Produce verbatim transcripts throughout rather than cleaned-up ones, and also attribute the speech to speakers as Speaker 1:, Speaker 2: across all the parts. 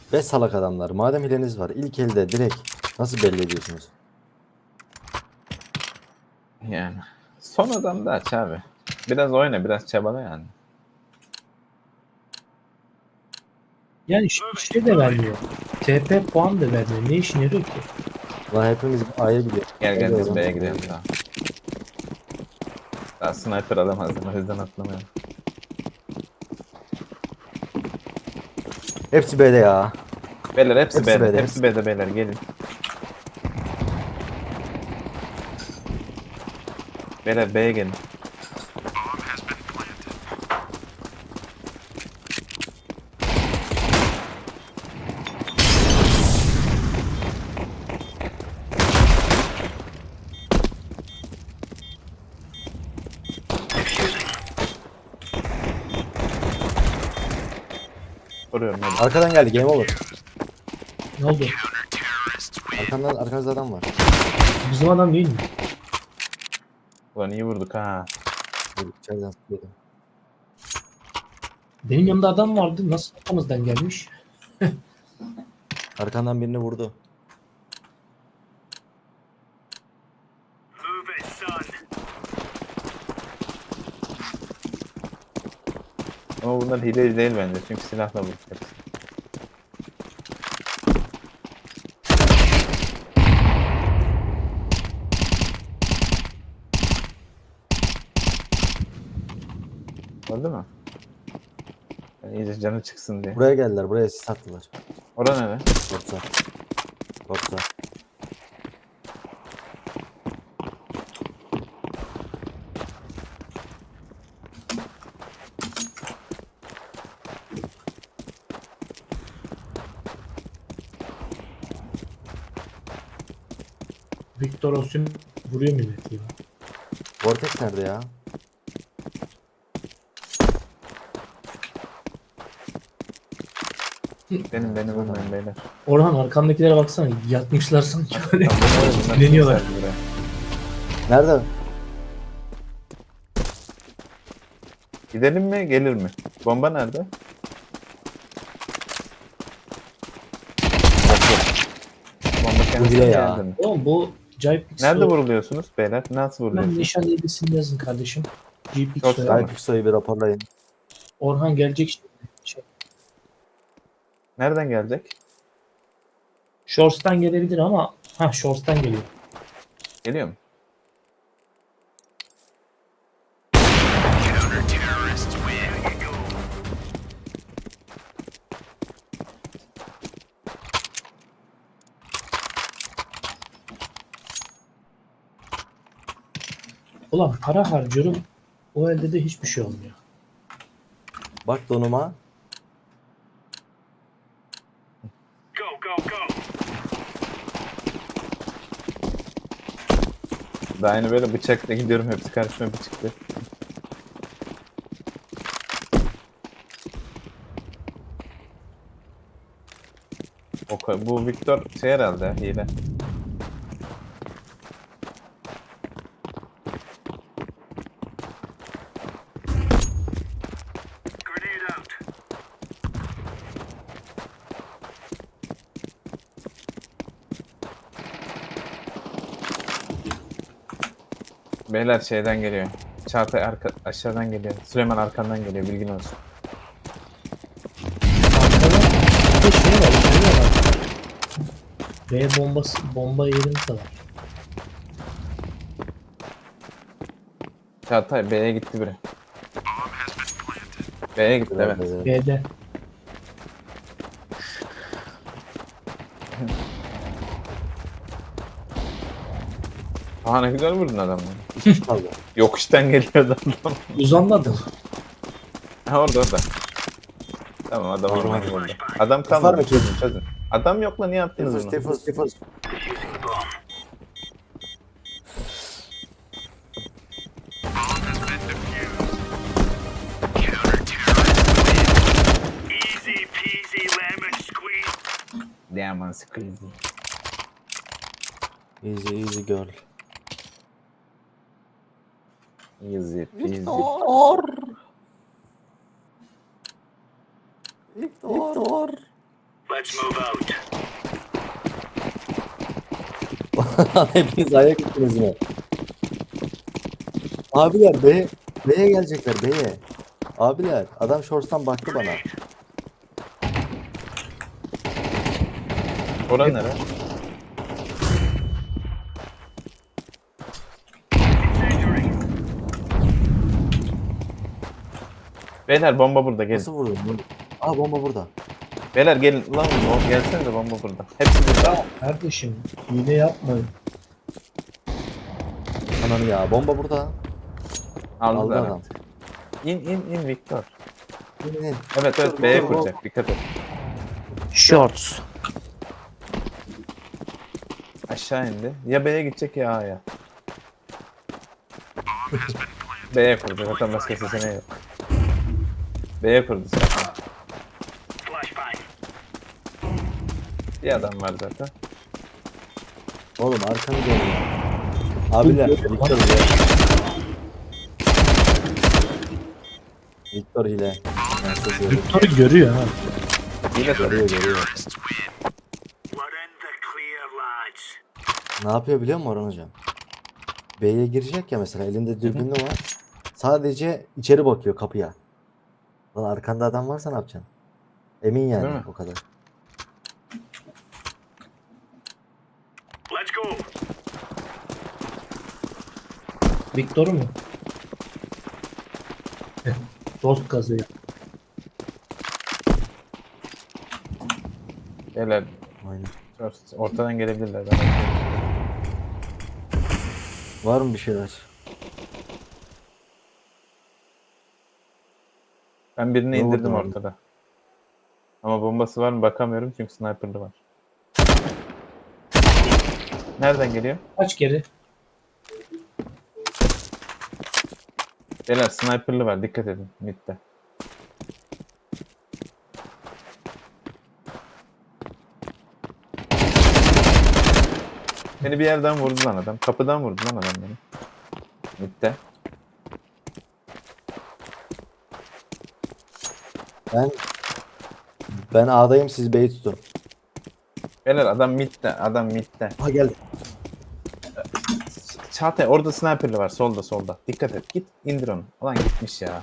Speaker 1: Ve salak adamlar. Madem hileniz var, ilk elde direkt nasıl belli ediyorsunuz?
Speaker 2: Yani. Sonradan da aç abi. Biraz oyna, biraz çabala yani.
Speaker 3: Yani ş- şey de vermiyor. T P puan da vermiyor. Ne işine yarıyor ki?
Speaker 1: Ulan hepimiz A'ya gidiyor.
Speaker 2: Gel gel
Speaker 1: Öyle
Speaker 2: biz
Speaker 1: olan-
Speaker 2: B'ye gidelim daha. Daha sniper alamazdım, o yüzden atlamıyorum.
Speaker 1: Hepsi B'de ya.
Speaker 2: Beyler hepsi,
Speaker 1: Hepsi
Speaker 2: B'de,
Speaker 1: B'de,
Speaker 2: hepsi
Speaker 1: hepsi.
Speaker 2: B'de beyler gelin. Beyler B'ye gelin. Vuruyorum hadi.
Speaker 1: Arkadan geldi, game over.
Speaker 3: Ne oldu?
Speaker 1: Arkandan, arkanızda adam var.
Speaker 3: Bizim adam değil mi?
Speaker 2: Ulan iyi vurduk ha.
Speaker 1: Dur, içeriden sıkıyordu.
Speaker 3: Benim yanımda adam vardı. Nasıl arkamızdan gelmiş?
Speaker 1: Arkandan birini vurdu.
Speaker 2: Ama bunlar hileci değil bence, çünkü silahla vurduk hepsi. Öldü mü? Yani iyice canı çıksın diye.
Speaker 1: Buraya geldiler, buraya sis attılar.
Speaker 2: Ora nere?
Speaker 1: Yoksa. Yoksa.
Speaker 3: Victor Osimhen vuruyor milleti ya.
Speaker 1: Vortex nerede ya?
Speaker 2: Benim beni vurmayın beyler.
Speaker 3: Orhan arkandakilere baksana. Yatmışlar sanki böyle.
Speaker 2: Tamam, bunlar- bunlar
Speaker 3: Dileniyorlar.
Speaker 2: kimse buraya.
Speaker 1: Nerede?
Speaker 2: Gidelim mi gelir mi? Bomba nerede? Bomba kendisi
Speaker 1: bile ya.
Speaker 2: geldi mi?
Speaker 3: Oğlum bu Jypix
Speaker 2: Nerede vuruluyorsunuz beyler? Nasıl
Speaker 3: Ben
Speaker 2: vuruluyorsunuz?
Speaker 3: nişan yedisini yazın kardeşim. Jypix
Speaker 2: Çok
Speaker 3: soyadı.
Speaker 2: sağ ol.
Speaker 1: Hypixo'yu bir raporlayın.
Speaker 3: Orhan gelecek şimdi. Şey,
Speaker 2: Nereden gelecek?
Speaker 3: Shorts'tan gelebilir ama ha Shorts'tan geliyor.
Speaker 2: Geliyor mu?
Speaker 3: Ulan para harcıyorum. O elde de hiçbir şey olmuyor.
Speaker 1: Bak donuma.
Speaker 2: Daha yeni böyle bıçakla gidiyorum, hepsi karşıma bir çıktı. O, ka- bu Victor şey herhalde hile. Beyler şeyden geliyor. Çağatay arka, aşağıdan geliyor. Süleyman arkandan geliyor, bilgin olsun.
Speaker 3: Arkada bir de şey var. Şey var. B bombası, bomba yerimiz de var.
Speaker 2: Çağatay B'ye gitti biri. B'ye gitti evet.
Speaker 1: Evet.
Speaker 3: B'de.
Speaker 2: Aa ne güzel vurdun adamları.
Speaker 1: Kaldı.
Speaker 2: Yokuştan geliyordu adam.
Speaker 3: Uzandı adam.
Speaker 2: Ha orada orada. Tamam adam
Speaker 1: Tamam,
Speaker 2: oradan
Speaker 1: hadi.
Speaker 2: vurdu. Adam
Speaker 1: Var
Speaker 2: kalmadı.
Speaker 1: mı ki?
Speaker 2: Çözün çözün. Adam yok lan, niye attınız
Speaker 1: Tifus,
Speaker 2: bunu?
Speaker 1: tifus, tifus.
Speaker 4: Easy peasy lemon squeeze.
Speaker 2: Diamond squeeze.
Speaker 1: Easy, easy girl.
Speaker 2: Easy peasy.
Speaker 1: Victor.
Speaker 4: Let's move out.
Speaker 1: Hepiniz ayak gittiniz mi? Abiler B, B'ye gelecekler B'ye. Abiler adam shorts'tan baktı bana.
Speaker 2: Oran nere?
Speaker 4: Incendiary.
Speaker 2: Beyler bomba burada gelin.
Speaker 1: Nasıl vurdun? Aa bomba burada.
Speaker 2: Beyler gelin lan o gelsene de bomba burada. Hepsi burada.
Speaker 3: Kardeşim hile yapmayın.
Speaker 1: Ananı ya bomba burada. Aldı
Speaker 2: Aldılar.
Speaker 1: adam.
Speaker 2: İn in in Victor.
Speaker 1: İn, in.
Speaker 2: Evet evet
Speaker 1: Victor,
Speaker 2: B'ye
Speaker 1: Victor,
Speaker 2: kuracak dikkat et.
Speaker 3: Shorts.
Speaker 2: Aşağı indi. Ya B'ye gidecek ya A'ya. B'ye kurdu zaten başka seçeneği yok. B'ye kurdu zaten.
Speaker 4: Flashbang.
Speaker 2: Bir adam var zaten.
Speaker 1: Oğlum arkanı dön ya. Abiler Victor hile. Victor hile. Ben size söyleyeyim.
Speaker 3: Victor'u görüyor ha.
Speaker 2: Yine tabii.
Speaker 1: Görüyor görüyor.
Speaker 4: We're in the clear, lads.
Speaker 1: Ne yapıyor biliyor musun Orhan hocam? B'ye girecek ya mesela elinde dürbünlü var. Sadece içeri bakıyor kapıya. Lan arkanda adam varsa ne yapacaksın? Emin
Speaker 2: Değil
Speaker 1: yani
Speaker 2: mi?
Speaker 1: o kadar.
Speaker 4: Let's go.
Speaker 3: Victor'u mu? Dost kazıyor.
Speaker 2: Beyler
Speaker 1: Aynen.
Speaker 2: ortadan gelebilirler. Ben
Speaker 1: Var mı bir şeyler?
Speaker 2: Ben birini
Speaker 1: Ne
Speaker 2: indirdim
Speaker 1: oldu abi?
Speaker 2: ortada. Ama bombası var mı bakamıyorum çünkü sniper'lı var. Nereden geliyor?
Speaker 3: Kaç kere?
Speaker 2: Beyler sniper'lı var dikkat edin midde. Beni bir yerden vurdu lan adam. Kapıdan vurdu lan adam beni. Midde.
Speaker 1: Ben ben A'dayım siz B'yi tutun.
Speaker 2: Beyler adam midde. Adam midde.
Speaker 1: Ha geldi.
Speaker 2: Çağatay orada sniper'lı var solda solda. Dikkat et git indir onu. Ulan gitmiş ya.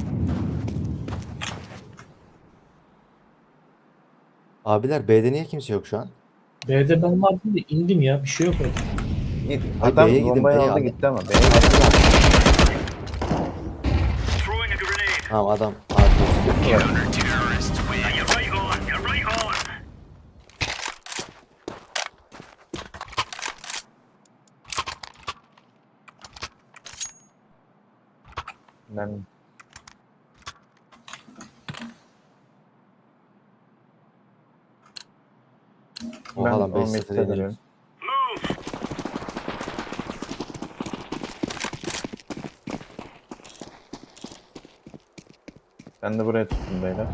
Speaker 1: Abiler B'de niye kimse yok şu an?
Speaker 3: B'de ben vardım da indim ya. Bir şey yok orada.
Speaker 2: Git.
Speaker 1: Ay,
Speaker 2: Adam
Speaker 1: B'ye gidin,
Speaker 2: bombayı
Speaker 1: B'ye
Speaker 2: aldı
Speaker 1: abi.
Speaker 2: gitti ama. B'ye gitti.
Speaker 4: Throwing a grenade.
Speaker 1: Tamam adam A'da.
Speaker 4: Now you're right on. You're right on.
Speaker 2: Ben
Speaker 1: Oha
Speaker 2: ben
Speaker 1: lan
Speaker 2: o
Speaker 1: beş
Speaker 2: midde
Speaker 1: sıfır yenildik.
Speaker 2: duruyorum.
Speaker 4: Move.
Speaker 2: Ben de buraya tuttum beyler.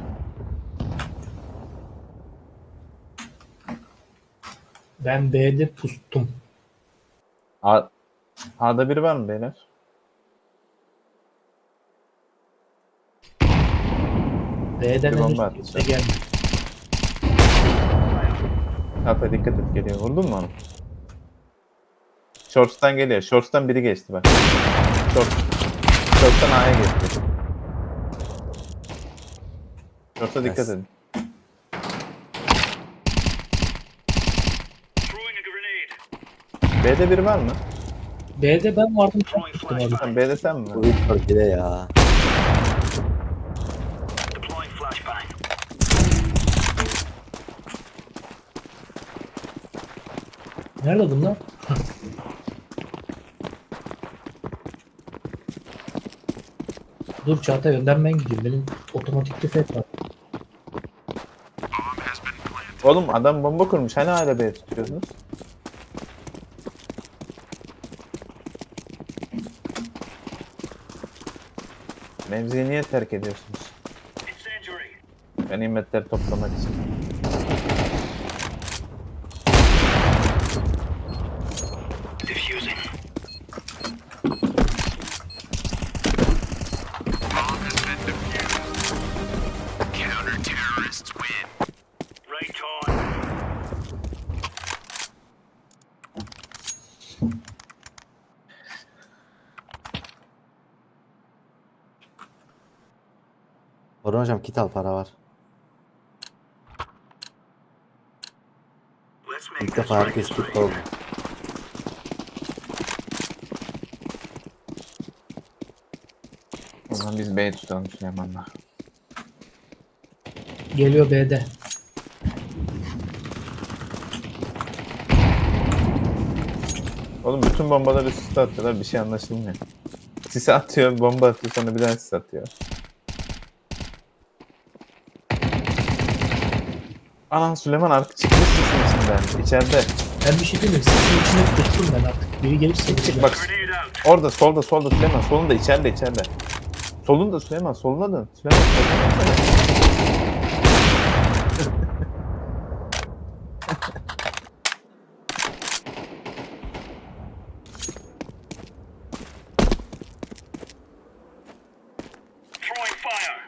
Speaker 3: Ben B'de pustum.
Speaker 2: A A'da biri var mı beyler?
Speaker 3: B'den
Speaker 2: Bir
Speaker 3: henüz
Speaker 2: bomba
Speaker 3: kimse
Speaker 2: atacağım.
Speaker 3: gelmedi.
Speaker 2: Çağatay dikkat et geliyor. Vurdun mu onu? Shorts'tan geliyor. Shorts'tan biri geçti bak. Short. Shorts'tan A'ya geçti. Shorts'a dikkat
Speaker 1: Yes.
Speaker 2: edin.
Speaker 4: Throwing a grenade.
Speaker 2: B'de biri var mı?
Speaker 3: B'de ben vardım.
Speaker 4: Throwing
Speaker 3: Tuttum abi.
Speaker 4: flashbang.
Speaker 2: Sen B'de sen mi?
Speaker 1: Bu Victor hile ya.
Speaker 4: Deploying flashbang.
Speaker 3: Nerede bunlar? Dur Çağatay önden ben gideyim. Benim otomatik tüfek var.
Speaker 2: Oğlum adam bomba kurmuş. Hani hala B'ye tutuyorsunuz? Mevziyi niye terk ediyorsunuz?
Speaker 4: Incendiary.
Speaker 2: Ganimetleri toplamak için.
Speaker 4: Diffusing. Right
Speaker 1: Orhan hocam kit al, para var.
Speaker 4: Let's make
Speaker 1: İlk
Speaker 4: this
Speaker 1: defa
Speaker 4: right.
Speaker 1: herkes kit oldu.
Speaker 2: O zaman biz B'yi tutalım Süleyman'la.
Speaker 3: Geliyor B'de.
Speaker 2: Oğlum bütün bombaları üst üste atıyorlar, bir şey anlaşılmıyor. Sisi atıyor, bomba atıyor, sonra bir daha sis atıyor. Anan Süleyman arka çıkmış sisin içinden, içeride.
Speaker 3: Ben bir şey demiyorum. Sesin içine kustum ben artık. Biri gelirse bir
Speaker 2: Bak
Speaker 4: Grenade out.
Speaker 2: orada, solda, solda Süleyman, solunda, içeride, içeride. Solunda Süleyman, soluna dön. Süleyman, soluna dön.
Speaker 4: Throwing fire.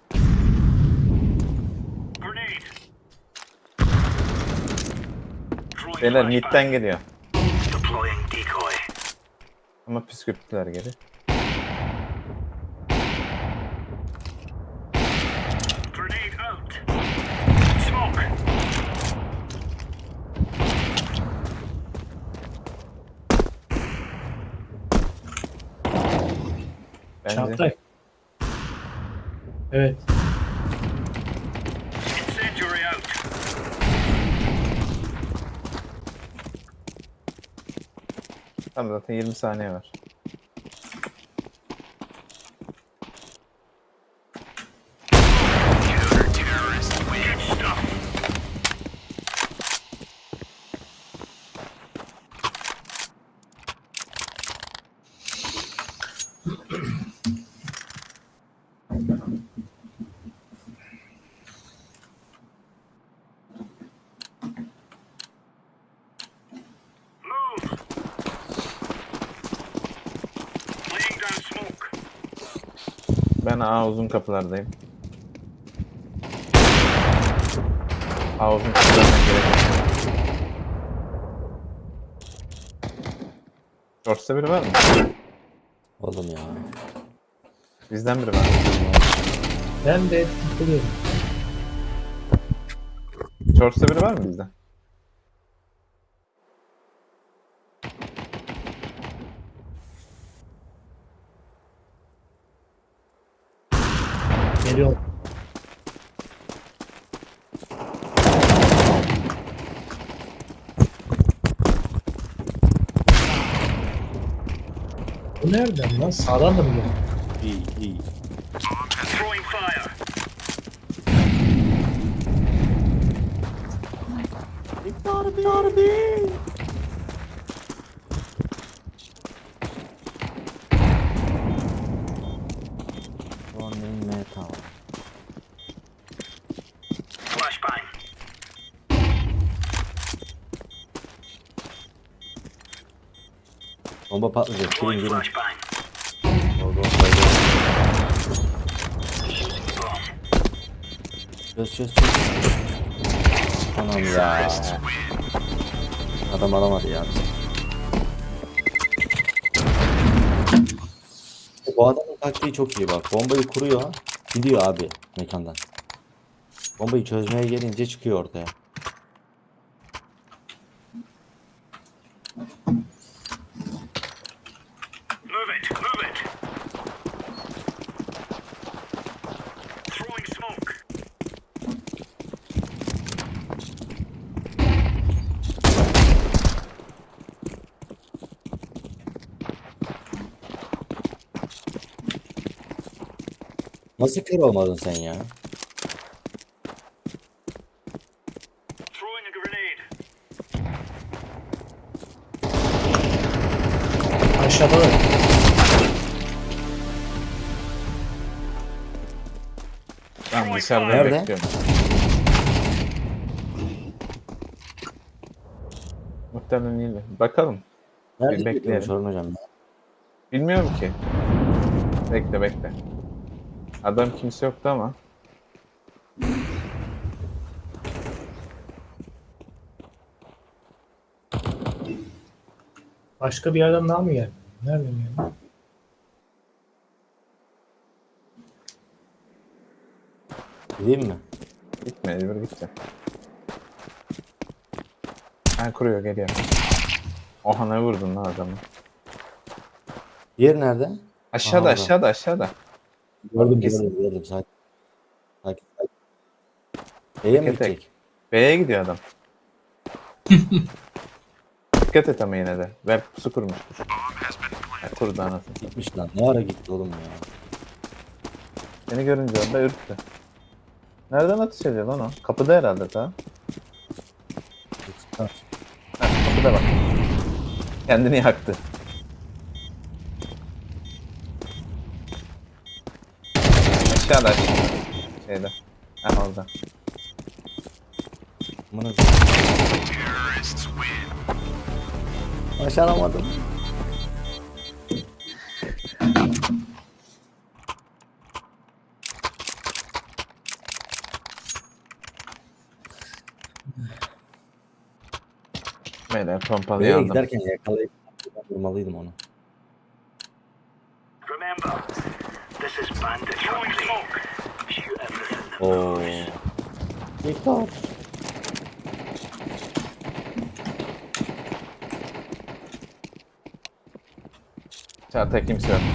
Speaker 4: Grenade. Throwing
Speaker 2: Beyler
Speaker 4: flashbang.
Speaker 2: midden geliyor.
Speaker 4: Deploying decoy.
Speaker 2: Ama püskürttüler geri.
Speaker 4: Grenade out. Smoke.
Speaker 2: Bence.
Speaker 3: Çağatay. Evet.
Speaker 4: Incendiary out.
Speaker 2: Tamam zaten yirmi saniye var.
Speaker 4: Counter-terrorist win. Good stuff. Move. Laying down smoke.
Speaker 2: Ben A uzun kapılardayım. A uzun kapılardan gelecek. Shorts'ta biri var mı?
Speaker 1: Oğlum ya.
Speaker 2: Bizden biri var mı?
Speaker 3: Ben de tıkılıyorum.
Speaker 2: Shorts'ta biri var mı bizden?
Speaker 3: Geliyor. Bu nereden lan? Sağdan da mı geliyor?
Speaker 1: İyi iyi.
Speaker 4: Throwing fire.
Speaker 1: Running metal.
Speaker 4: Flashbang.
Speaker 1: Bomba patlayacak. Girin
Speaker 4: Deploying
Speaker 1: girin.
Speaker 4: flashbang.
Speaker 1: Oldu, oldu.
Speaker 4: Boom.
Speaker 1: Çöz çöz çöz. Anam ya. Adam alamadı ya bizi. Bu adamın taktiği çok iyi bak. Bombayı kuruyor. Gidiyor abi mekandan. Bombayı çözmeye gelince çıkıyor ortaya.
Speaker 4: Move it. Move it. Throwing smoke.
Speaker 1: Nasıl kör olmadın sen ya?
Speaker 4: Throwing a grenade.
Speaker 3: Aşağıda da.
Speaker 2: Ben dışarıda
Speaker 1: Nerede?
Speaker 2: bekliyorum. Muhtemelen iyi. Bakalım.
Speaker 1: Nerede
Speaker 2: Bir bekleyelim.
Speaker 1: bekliyormuş Orhan hocam?
Speaker 2: Bilmiyorum ki. Bekle bekle. Adam kimse yoktu ama.
Speaker 3: Başka bir yerden daha mı geldi? Nereden geldi?
Speaker 1: Gideyim mi?
Speaker 2: Gitme, mecbur gideceğim. Ha kuruyor, geliyor. Oha ne vurdun lan adamı.
Speaker 1: Diğer nerede?
Speaker 2: Aşağıda,
Speaker 1: Aha,
Speaker 2: aşağıda, aşağıda.
Speaker 1: Gördüm
Speaker 2: Kesin.
Speaker 1: gördüm gördüm. Sakin. Sakin. sakin. B'ye mi
Speaker 2: Tek tek.
Speaker 1: gidecek?
Speaker 2: B'ye gidiyor adam. Dikkat et ama yine de. Ver pusu kurmuştur. Ya, kurdu anasını.
Speaker 1: Gitmiş lan. Ne ara gitti oğlum ya?
Speaker 2: Seni görünce orada ürktü. Nereden atış ediyor lan o? Kapıda herhalde ta. Ha, kapıda bak. Kendini yaktı. Aşağıda aşağıda. Şeyde. Ha orada.
Speaker 1: Amına Başaramadım.
Speaker 2: Böyle pompalı
Speaker 1: B'ye
Speaker 2: aldım.
Speaker 1: giderken yakalayıp vurmalıydım onu.
Speaker 4: Remember, this is bandit country. Shoot everything.
Speaker 1: Oo. Victor.
Speaker 2: Çağatay kimse yok.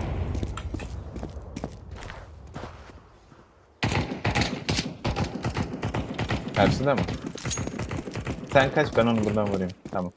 Speaker 2: Karşıda mı? Sen kaç, ben onu buradan vurayım. Tamam.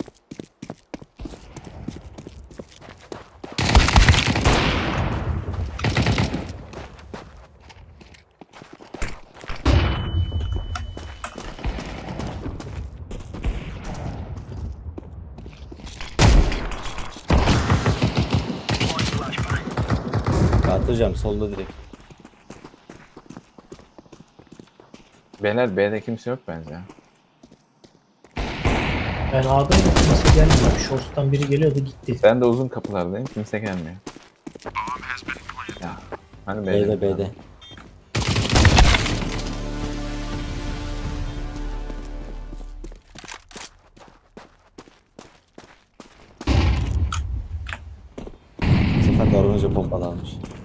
Speaker 1: Atacağım solda direkt.
Speaker 2: Beyler B'de kimse yok bence.
Speaker 3: Ben A'dayım. Kimse gelmiyor. Shorts'tan biri geliyordu gitti.
Speaker 2: Ben de uzun kapılardayım. Kimse gelmiyor. Ya, hani B'de.
Speaker 1: B'de B'de. Bu sefer de Aronca pompalı almış.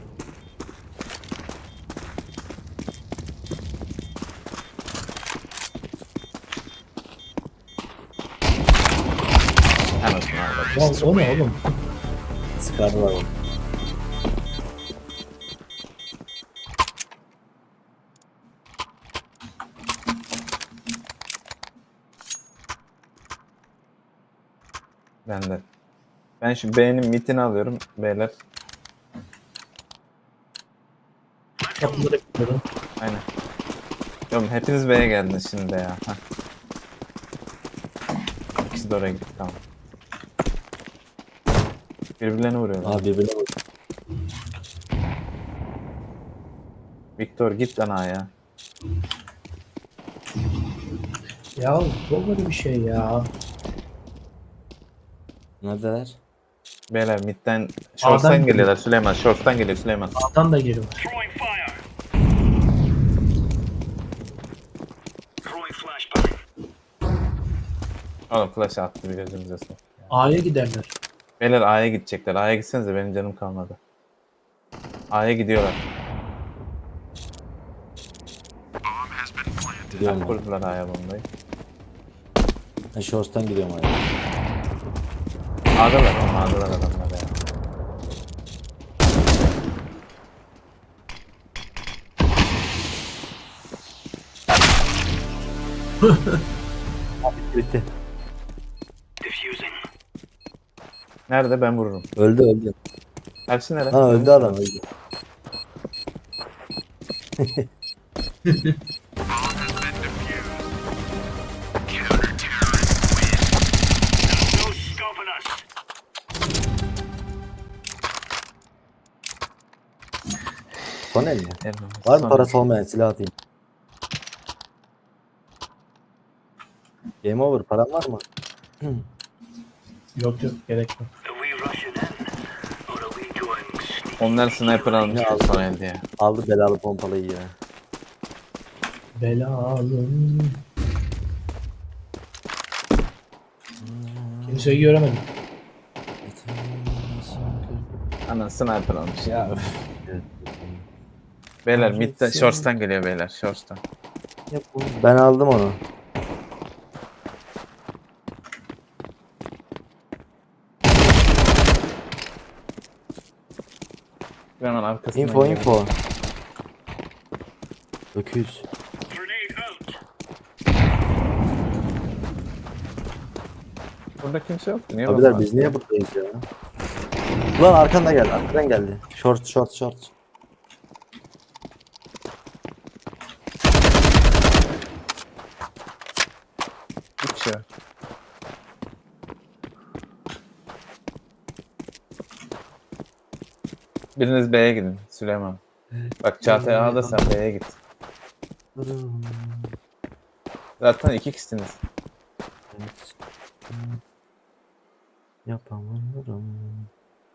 Speaker 2: Anasını ağladım.
Speaker 3: Ya o ne oğlum?
Speaker 1: Sıkardılar onu.
Speaker 2: Ben de. Ben şu B'nin mitini alıyorum beyler.
Speaker 3: Kapıları bekliyorum.
Speaker 2: Aynen. Oğlum hepiniz B'ye geldiniz şimdi ya. Heh. İkisi de oraya gitti, tamam. Birbirlerine vuruyorlar.
Speaker 1: Abi birbirine vur.
Speaker 2: Victor git lan A'ya.
Speaker 3: Ya bu böyle bir şey ya.
Speaker 1: Neredeler?
Speaker 2: Beyler midden short'tan
Speaker 3: A'dan
Speaker 2: geliyorlar Süleyman. Short'tan geliyor Süleyman.
Speaker 3: A'dan da geliyor.
Speaker 4: Throwing fire. Throwing flashbang.
Speaker 2: Oğlum flash attı bir gözümüze sok.
Speaker 3: A'ya giderler.
Speaker 2: Beyler A'ya gidecekler. A'ya gitsenize, benim canım kalmadı. A'ya gidiyorlar.
Speaker 1: Gidiyorum ben.
Speaker 2: Kurdular A'ya bombayı.
Speaker 1: Ben Shorts'tan gidiyorum abi.
Speaker 2: A'dalar oğlum, A'dalar adamlar ya.
Speaker 1: Bitti.
Speaker 4: Diffusing.
Speaker 2: Nerede, ben vururum.
Speaker 1: Öldü öldü.
Speaker 2: Ersin nerede?
Speaker 1: Ha öldü adam öldü.
Speaker 4: No stopping us.
Speaker 1: Son el mi?
Speaker 2: Evet,
Speaker 1: Var mı
Speaker 2: sonra-
Speaker 1: parası olmayan silah atayım. Game over. Paran var mı?
Speaker 3: Yok yok gerek yok.
Speaker 4: Are we rushing in? Or are we going sneak?
Speaker 2: Onlar sniper almış
Speaker 1: Ne aldı?
Speaker 2: son elde ya.
Speaker 1: Aldı belalı pompalıyı ya.
Speaker 3: Belalım. Kimseyi göremedim.
Speaker 2: Anan sniper almış ya.
Speaker 1: Ya öf.
Speaker 2: Beyler midden,
Speaker 1: Kahretsin.
Speaker 2: shorts'tan geliyor beyler, shorts'tan.
Speaker 1: Ben aldım onu.
Speaker 2: Hemen arkasından
Speaker 1: Info
Speaker 2: geliyor.
Speaker 1: info. Öküz.
Speaker 4: Grenade out.
Speaker 2: Burada kimse yoktu. Niye
Speaker 1: Abiler
Speaker 2: bomba
Speaker 1: biz
Speaker 2: attı?
Speaker 1: niye buradayız ya? Ulan arkanda geldi. Arkadan geldi. Short short short.
Speaker 2: Bir kişi var. Biriniz B'ye gidin Süleyman. Bak Çağatay A'da sen B'ye git. Zaten iki kişisiniz.
Speaker 1: Yapamıyorum.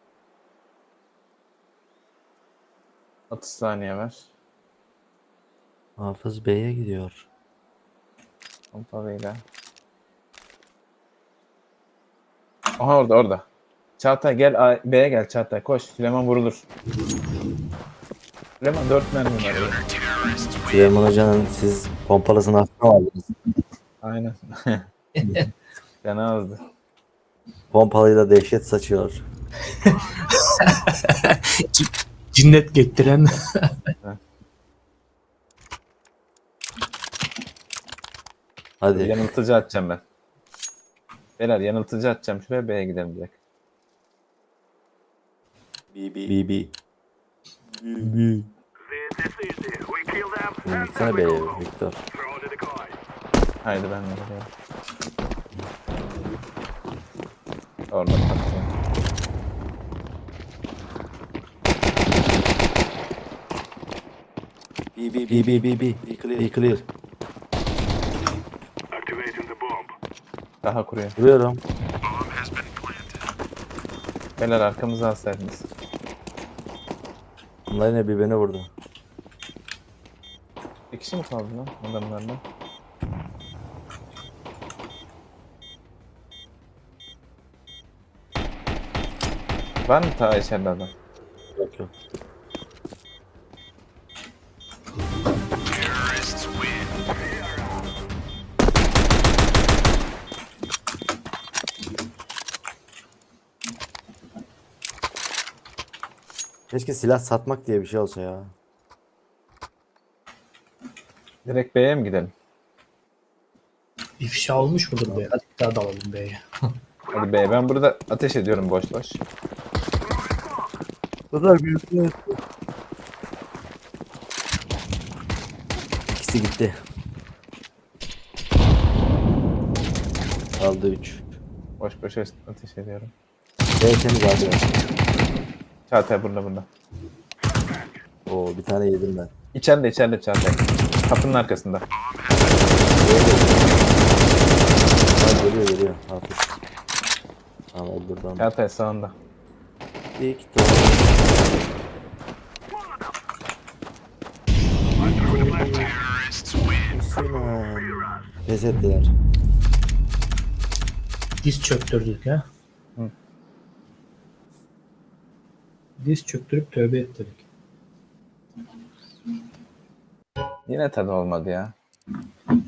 Speaker 2: otuz saniye var.
Speaker 1: Hafız Bey'e gidiyor.
Speaker 2: Pompalıyla. Aha orada orada. Çağatay gel A- B'ye gel Çağatay koş. Süleyman vurulur. Süleyman dört mermi var. ya.
Speaker 1: Süleyman Hoca'nın siz pompalısını hafta aldınız.
Speaker 2: Aynen. Fena azdı.
Speaker 1: Pompalıyla dehşet saçıyor.
Speaker 3: Cinnet getiren.
Speaker 1: Hadi.
Speaker 2: Yanıltıcı atacağım ben. Beyler yanıltıcı atacağım. Şuraya B'ye gidelim direkt.
Speaker 1: B B. B. B.
Speaker 4: This is easy. We kill them.
Speaker 1: Hmm,
Speaker 4: And
Speaker 1: Gitsene
Speaker 4: then we
Speaker 1: B'ye
Speaker 4: go home.
Speaker 1: Victor.
Speaker 4: Throw to the guy.
Speaker 2: Haydi ben de geliyorum. Orada patlayayım.
Speaker 1: B B B B B B. Be clear. Be clear.
Speaker 4: Activating the bomb.
Speaker 2: Daha kuruyor.
Speaker 1: Vuruyorum.
Speaker 2: Beyler arkamızı alsaydınız.
Speaker 1: Bunlar yine birbirine vurdu.
Speaker 2: Bir kişi mi kaldı lan adamlarla? Var mı ta içeride adam?
Speaker 1: Yok yok. Keşke silah satmak diye bir şey olsa ya.
Speaker 2: Direkt B'ye mi gidelim?
Speaker 3: İfşa olmuş mudur be? Hadi daha dalalım B'ye.
Speaker 2: Hadi B. Ben burada ateş ediyorum boş boş.
Speaker 1: Kadar büyük. İkisi gitti. Kaldı üç.
Speaker 2: Boş boş ateş ediyorum.
Speaker 1: B temiz abi.
Speaker 2: Çağatay burada burada.
Speaker 1: Oo bir tane yedim ben.
Speaker 2: İçeride içeride Çağatay. Kapının arkasında.
Speaker 1: Ha, geliyor geliyor. Hafif. Tamam buradan.
Speaker 2: Çağatay sağında.
Speaker 1: Victor. Sinan. Pes ettiler.
Speaker 3: Diz çöktürdük ha.
Speaker 2: Hı.
Speaker 3: Diz çöktürüp tövbe ettirdik.
Speaker 2: Yine tadı olmadı ya.